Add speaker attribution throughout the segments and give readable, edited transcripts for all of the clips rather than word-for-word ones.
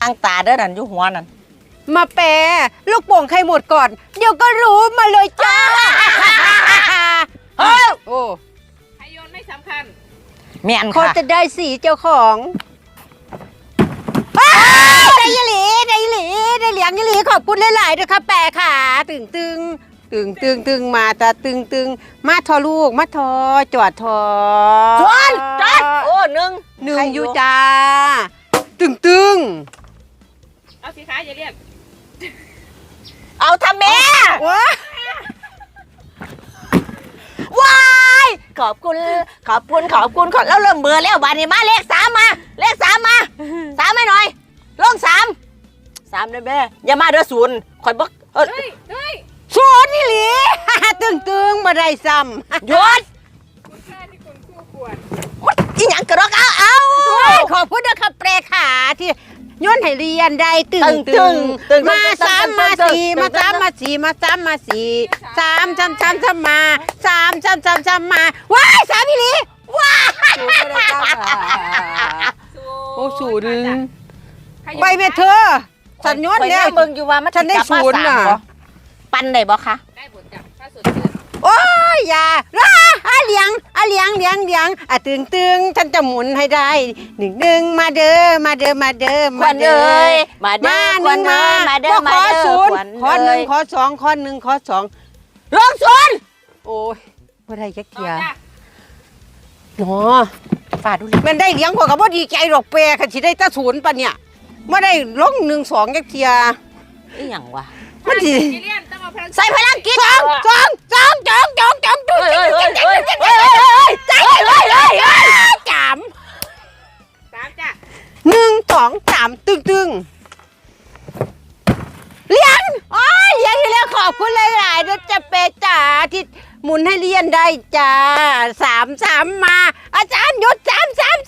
Speaker 1: ตั้งตาเด้อนั่นอยู่หัวนั่น
Speaker 2: มาแปรลูกโป่งใครหมดก่อนเดี๋ยวก็รู้มาเลยจ้า
Speaker 1: เฮ้ย
Speaker 2: โอ้
Speaker 3: ใครโยนไม่สำคัญ
Speaker 1: แม่น
Speaker 2: เขา
Speaker 1: ค่ะ
Speaker 2: จะได้สีเจ้าของได้ยหลีได้หลีได้เหลียงยหลีขอบคุณหลายๆด้วยค่ะแปรค่ะตึงมาตาตึงมาทอลูกมาทอจอดทอ
Speaker 1: จอดโอ้หนึ่ง
Speaker 2: อยู่จ้าตึง
Speaker 3: เอาสิคะอย่าเรียก
Speaker 1: เอาทำแม่
Speaker 2: ว้าย
Speaker 1: ขอบคุณแล้วเริ่มเบื่อแล้วบาดนี้มาเลข3มาเลข3มา3ให้หน่อยลง3เลยแม่อย่ามาเด้อ0ข่อยบ่
Speaker 3: เฮ้ย
Speaker 2: ศูนย์นี่หลีตึงมาได้ซ้ำ
Speaker 1: หยุด
Speaker 3: คุณค่าที่คุณคู่ควร
Speaker 1: อีหยังกระดอกเอา
Speaker 2: ขอบคุณนะคะแปรขาที่ย้อนให้เรียนได้ตึงมา3มา4มา3มา4มา3มา4 3มา3มาว้าย3พี่หลีว้ายโอ้ศูนย์ไปเมเธอฉันย้อนแล้ว
Speaker 1: เบิ่งอยู่ว่ามัน
Speaker 2: ฉันได้ศูนย์น่ะ
Speaker 1: ปันได้บ่คะ
Speaker 3: ได้ผลจากค่าส่วนเกิน
Speaker 2: โอ้ยอย่าเลี้ยงตึงฉันจะหมุนให้ได้1มาเด้อ
Speaker 1: มาเด้อมาเด้อมาเด้อมาเด้อขอ
Speaker 2: 0ขอ1ขอ2ขอ1ขอ2
Speaker 1: ลง0
Speaker 2: โอ้ยบ่ได้จักเที่ยหนอ
Speaker 1: ฝ่าดู
Speaker 2: มันได้เลี้ยงพวกก็บ่ดีใจหรอกแปรคันสิได้ตะ0ปะเนี่ยบ่ได้ลง1 2จักเที่ย
Speaker 1: อีหยังวะ
Speaker 2: มันสิ
Speaker 1: ใส่พลังกิจ
Speaker 2: จองใจจาม
Speaker 3: จ้ะ
Speaker 2: 1 2 3ตึงเรียนเรียนที่แล้วขอบคุณหลายๆนะจะเปจ๋าที่หมุนให้เรียนได้จ้า3มาอาจารย์หยุด3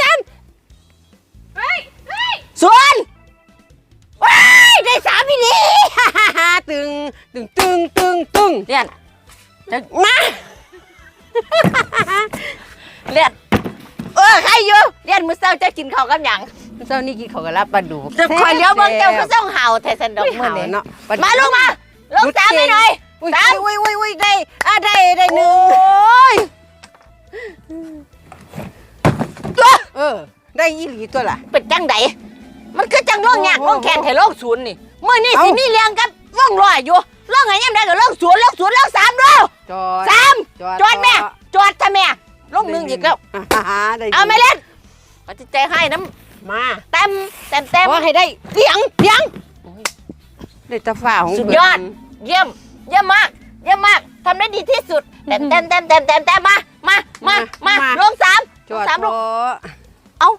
Speaker 3: เฮ้ย
Speaker 1: ส่วน
Speaker 2: ว้ายได้3พี่นี่ตึง
Speaker 1: เรียน
Speaker 2: มา
Speaker 1: เรียนใครอยู่เรียนมื้อเช้าจะกินข้าวกับหยัง
Speaker 2: เจ้านี่กินข้าวกับลาบปลาดุก
Speaker 1: จะคอยเลี้ยวเบิ่งเจ้าก็ส่งเห่าแท้สันดอกมื้อนี้มาลง3ให้หน่อย
Speaker 2: 3อุ้ยได้1ได้อีหลีตัวล่ะ
Speaker 1: เป็นจังไดมันคือจังร่องยากร่องแข็งให้โลก0นี่มื้อนี้สิมีเลี้ยงกับร่องร้อยอยู่ร่องให้ยามใดก็ร่อง0ร่อง3ดูจอดแม่จอดถ้าแม่ร่อง1อีกแล้วเอาไม่เล่นก็จะใจให้น้ำ
Speaker 2: มา
Speaker 1: เต็ม
Speaker 2: ว่าให้ได้เลี้ยงได้ตะฝ่าของ
Speaker 1: สุดยอดเยี่ยมมากทำได้ดีที่สุดเต็มมาลง3
Speaker 2: จอด
Speaker 1: ลงเอา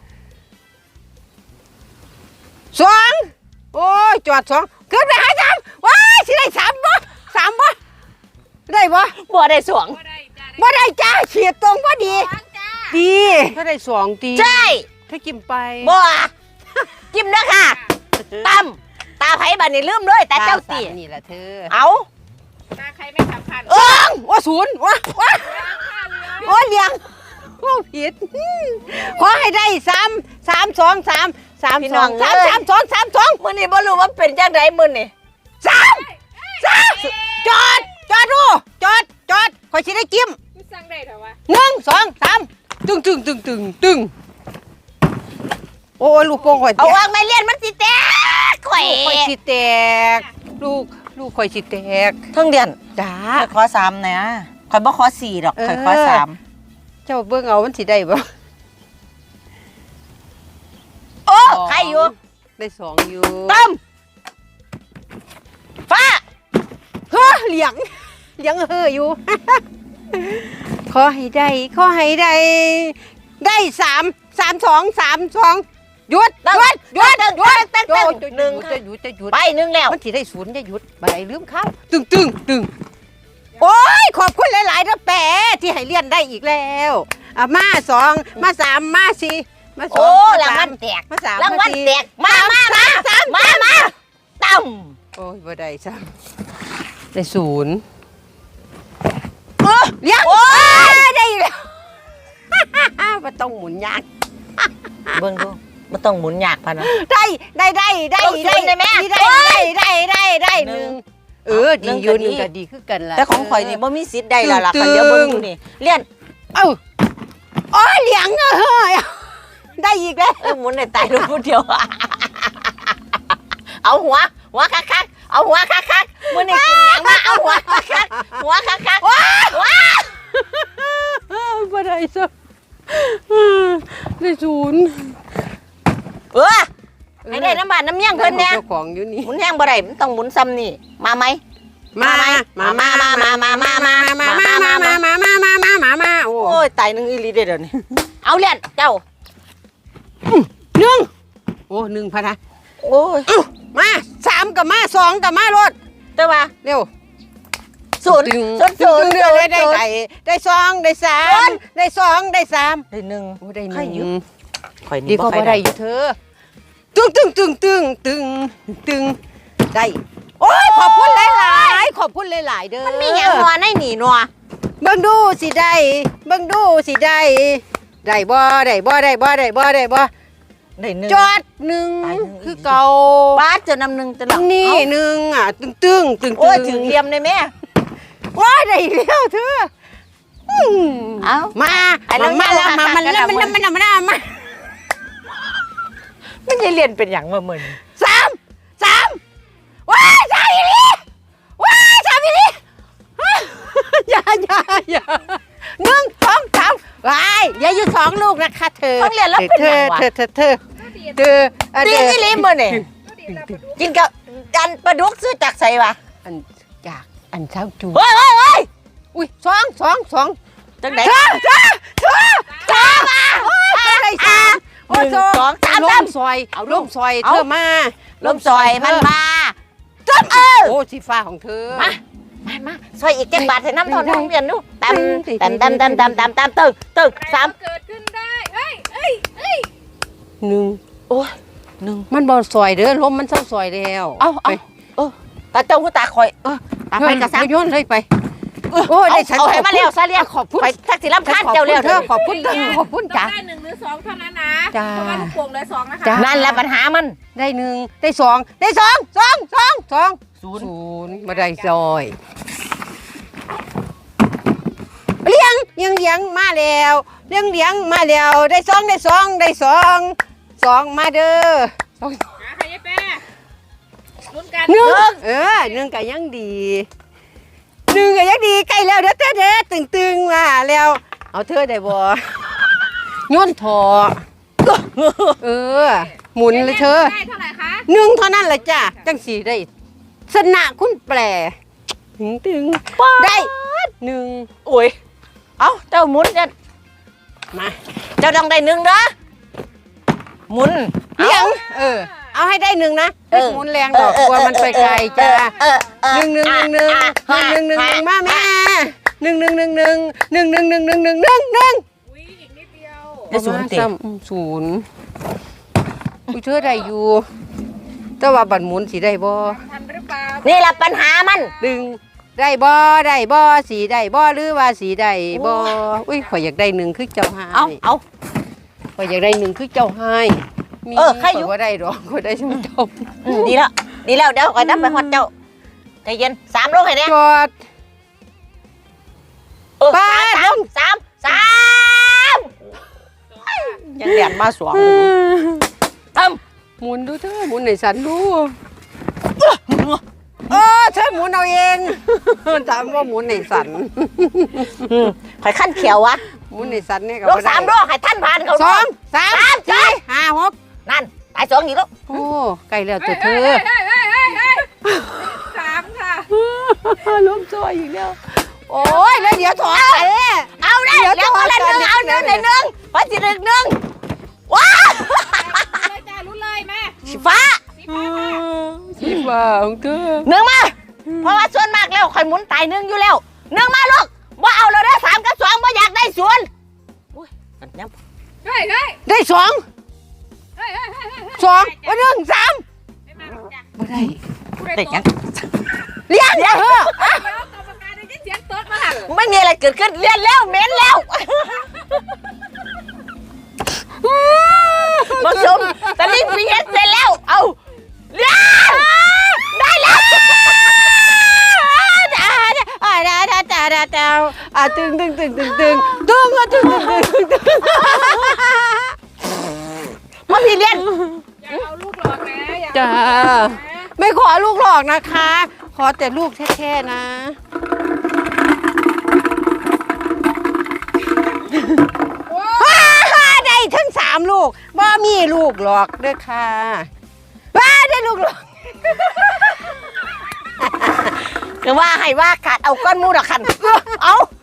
Speaker 2: 2โอ้ยจอด2ขึ้นไปหา3ว้ายสิได้3บ่ได้บ่
Speaker 1: ได้2
Speaker 2: บ่ได้จ้าเฉียดตรงพอดีถ้าได้2ตี
Speaker 1: ใช่
Speaker 2: ถ้ากินไป
Speaker 1: บ่จิ้มเด้อค่ะตั้มตาไผบัดนี้ลืมเลยแต่เจ้าตี
Speaker 2: นี่แหละเธอ
Speaker 1: เอา
Speaker 3: ตาใครไม่สำคัญ
Speaker 2: ว่า0ว่าเลี้ยงว่าผิดขอให้ได้3 2 3
Speaker 1: พี่น้อง
Speaker 2: 3 2
Speaker 1: มื้อนี้บ่รู้ว่าเป็นจังไดมื้อนี้
Speaker 2: จอดข่อยสิได้จิ้ม
Speaker 3: กูสั่งได้เถอะวะ
Speaker 2: 1 2 3ตึงโอ้ยลูกโป่งข่อย
Speaker 1: เอาวางไม่เลียนมันสิแตกข่อย
Speaker 2: สิแตกลูกข่อยสิแตก
Speaker 1: ทั้งเดือน
Speaker 2: จ้า
Speaker 1: ขอ3นะข่อยบ่ขอ4ดอกข่อยขอ3
Speaker 2: เจ้าเบิ่งเอามันสิได้บ่
Speaker 1: โอ้ใครอยู่
Speaker 2: ได้2อยู่
Speaker 1: ตั้มฟ้า
Speaker 2: เลี้ยงอยู่ขอให้ได้ได้3 2 หยุด1
Speaker 1: ไป1แล้ว
Speaker 2: มันสิได้0จะหยุดบ่ได้ลืมข้าวตึงโอ้ยขอบคุณหลายๆนะแปะที่ให้เรียนได้อีกแล้วมา2มา3มา4มา2
Speaker 1: โอ้รางวัลแตก
Speaker 2: มา3
Speaker 1: รางวัลแตกมาตั้ม
Speaker 2: โอ้ยบ่ได้ซ้ำได้0เลี้ยงได้แล้วบ่ต้องหมุนยาก
Speaker 1: เบิ่งดูมันต้องหมุนยากพะนะ
Speaker 2: ได้ได้
Speaker 1: ต้องศูนย์ได้ไหม
Speaker 2: ได้หนึ่งดีอยู่หนึ่งก็ดีคือกันล่ะ
Speaker 1: แต่ของข่อยนี่บ่มีสิทธิ์ได้แล้วล่ะคันเดี๋ยวเบิ่งดูนี่เลี่ยน
Speaker 2: โอ้ยเหลียงเฮ้ยได้อีกแล้ว
Speaker 1: หมุนได้ตายลูกผู้เดียวเอาหัวคักๆเอาหัวคักๆมื้อนี้กินหยังมาเอาหัวคักๆหัวคักๆว้า
Speaker 2: บ่ได้ซะได้ศูนย์
Speaker 1: ให้ได้น้ำบาดน้ำเมี่ยงเพิ่นเนี่ย
Speaker 2: เจ้าของอยู่นี่
Speaker 1: หมุนแห้งบ่ได้มันต้องหมุนซ้ำนี่มาไหมโอ้ยตายหนึ่งอีหลีเด้อเดี๋ยวนี้เอาเลี่ยนเจ้า
Speaker 2: หนึ่งโอ้หนึ่งพะนะ
Speaker 1: โอ้ย
Speaker 2: มา3กับมา2กับมารถ
Speaker 1: แต่ว่า
Speaker 2: เร็ว
Speaker 1: ศูนย์
Speaker 2: ได้2ได้3ได้2ได้3
Speaker 1: ได้หนึ่ง
Speaker 2: โอ้ได้ห
Speaker 1: ใครอยู่
Speaker 2: นึ่ง
Speaker 1: ข่อย
Speaker 2: ดี
Speaker 1: นี่
Speaker 2: ก็บ่ได้อยู่เธอตึงได้โอ้ยขอบคุณหลายๆขอบคุณหลายๆเด้อ
Speaker 1: มันมีหยังนัวในหนีนัว
Speaker 2: เบิ่งดูสิได้ได้บ่
Speaker 1: ได้หนึ่ง
Speaker 2: จอดหนึ่งคือเก่า
Speaker 1: ป้าเจอนำหนึ่งจะหลัง
Speaker 2: นี่หนึ่งอ่ะตึง
Speaker 1: โอ้ยถึงเหลี่ยมเลยแม่
Speaker 2: ว้ายได้อีกแล้วเธอ
Speaker 1: เอา
Speaker 2: มาแล้วมามัน
Speaker 1: ไม่ใช่เรียนเป็นอย่างมาเหมือน
Speaker 2: สามว้ายสามอีหลีอย่า1 2 3ว้ายอย่าอยู่2ลูกนะคะเธอ
Speaker 1: ต้องเรียนแล้วเป็นอย่างวะ
Speaker 2: เธอ
Speaker 1: ตีนี่ลิมบ่เนี่ยกินกับอันปลาดุกซื้อจากไสวะ
Speaker 2: อันจากอันเช้าจู
Speaker 1: เฮ้ย
Speaker 2: อุ้ย2
Speaker 1: จังไหน
Speaker 2: จ้ามาได้3
Speaker 1: 1 2 3
Speaker 2: ล่มซอยล่มซอยเธอมา
Speaker 1: ลมซอยมันมา
Speaker 2: โอ้สีฟ้าของเธอ
Speaker 1: มาซอยอีกเจ็ดบาทใส่น้ำทอนน้องเรียนดูตำตึกสาม
Speaker 3: เกิดขึ้นได้เอ้ย
Speaker 2: 1
Speaker 1: โอ้ยหนึ่ง
Speaker 2: มันบ่ซอยเด้อลมมันเศร้าซอยแล้ว
Speaker 1: เอาตาเจ้าหูตาคอยตาไปกระซัง
Speaker 2: โยนเลยไปโอ้ยได้ฉัน
Speaker 1: เอาให้มาแล้วซะเรียก
Speaker 2: ขอบคุณ
Speaker 1: ไปทักษิณรับคานเจ้าเร็ว
Speaker 2: เธอขอบคุณจ้า
Speaker 3: ได้1 หรือ 2เท่านั้นนะ
Speaker 2: จ้า
Speaker 3: เพราะว่าลูกโป่งเลย2นะคะ
Speaker 2: จ้า
Speaker 1: นั่นแหละปัญหามัน
Speaker 2: ได้1ได้2ได้2
Speaker 1: ศูนย์
Speaker 2: มาได้ซอยเลี้ยงมาแล้วเลี้ยงมาแล้วได้2มาเด้อ
Speaker 3: หาใครยายแป้ลุ้นกัน
Speaker 2: 1ก็ยังดีใกล้แล้วเด้อตึงมาแล้วเอาเธอได้บ่ย้อนถอหมุนเลยเธอ
Speaker 3: ได้เท่าไหร่คะ
Speaker 2: 1เท่านั้นแหละจ้ะจังสีได้สนะคุณแปรตึงได้1
Speaker 1: โอ้ยเอาเจ้าหมุนจะ
Speaker 2: มา
Speaker 1: เจ้าต้องได้หนึ่งเด้อหมุน
Speaker 2: เลี้ยงเอาให้ได้1นะหมุนแรงดอกกลัวมันไปไกลจ้ะ1มาแม่1
Speaker 3: อุ้ยอีกนิดเดียว
Speaker 1: ได้ศูนย์ติ
Speaker 2: ศูนย์อุ้ยเธอได้อยู่แต่ว่าบัตรหมุนสิได้บ่
Speaker 3: ทันหรือเปล่า
Speaker 1: นี่แหละปัญหามัน
Speaker 2: ดึงได้บ่สีได้บ่หรือว่าสีได้บ่อุ้ยข่อยอยากได้1คือเจ้าหาย
Speaker 1: เอา
Speaker 2: ข่อยอยากได้1คือเจ้าหายมี
Speaker 1: ใครอยู่
Speaker 2: ข่อยบ่ได้ดอกข่อยได้ชุ่มจบ
Speaker 1: ดีแล้วเดี๋ยวคอยนับไปฮอดเจ้าใจเย็น3โลให้เนี่ย
Speaker 2: จอด
Speaker 1: สามยังเรียนมาสวงท
Speaker 2: หมุนดูเธอหมุนให้ฉันดูเธอหมุนเอาเอง ถามว่าหมุนให้ฉัน
Speaker 1: ำข่อยขั้นเขียววะ
Speaker 2: หมุนให้ฉันเนี่ยก็
Speaker 1: โล
Speaker 2: บ่ได้
Speaker 1: 3โลให้ท่านผ่านเขา
Speaker 2: 2 3 4 5 6
Speaker 1: นั่นตาย2อีกแล้ว
Speaker 2: โอ้ใกล้แล้วตัวเธอ
Speaker 3: 3ค่ะ
Speaker 2: ล้มซอยอีกแล้วโอ้ยแล้วเดี๋ยวถอดไป
Speaker 1: เอาได้แล้วคนละหนึ่งเอาหนึ่งพอสิหนึ่งว้า
Speaker 3: เลยจ้าลุ้นเลยแม่
Speaker 1: สีฟ้า
Speaker 3: สีฟ้า
Speaker 2: สีฟ้าของเธอ
Speaker 1: หนึ่งมาเพราะว่าส่วนมากแล้วข่อยหมุนตาย1อยู่แล้ว1มาลูกว่าเอาเราได้3กับ2ว่าอยากได้ศูนย์อุ้ยกันยับ
Speaker 3: เฮ้ย
Speaker 2: ได้2 2ว่า1 3
Speaker 3: ไม่มาหรอกจ้ะ
Speaker 2: บ่ได้
Speaker 1: ได้ยัง
Speaker 2: เลี้ยงเด้อ
Speaker 3: เดี๋ยวกรรมการได้ยินเสียงเติร์ดมาหัน
Speaker 1: ไม่มีอะไรเกิดขึ้นเรียนแล้วเหม็นแล้วผสมตะลิงปิงเฮ็ดเสร็จแล้วเอาเรียนได้แล้ว
Speaker 2: ตึง
Speaker 1: มาพี่เรียน
Speaker 3: อย่าเอาลูกหลอกนะอย่า
Speaker 2: จ้าไม่ขอลูกหลอกนะคะ ขอแต่ลูกแท้ๆนะได้ทั้ง3ลูกบ่มีลูกหลอกเด้อค่ะได้ลูกหลอก
Speaker 1: คือว่าให้ว่าขาดเอาก้อนมูดอกคันเอา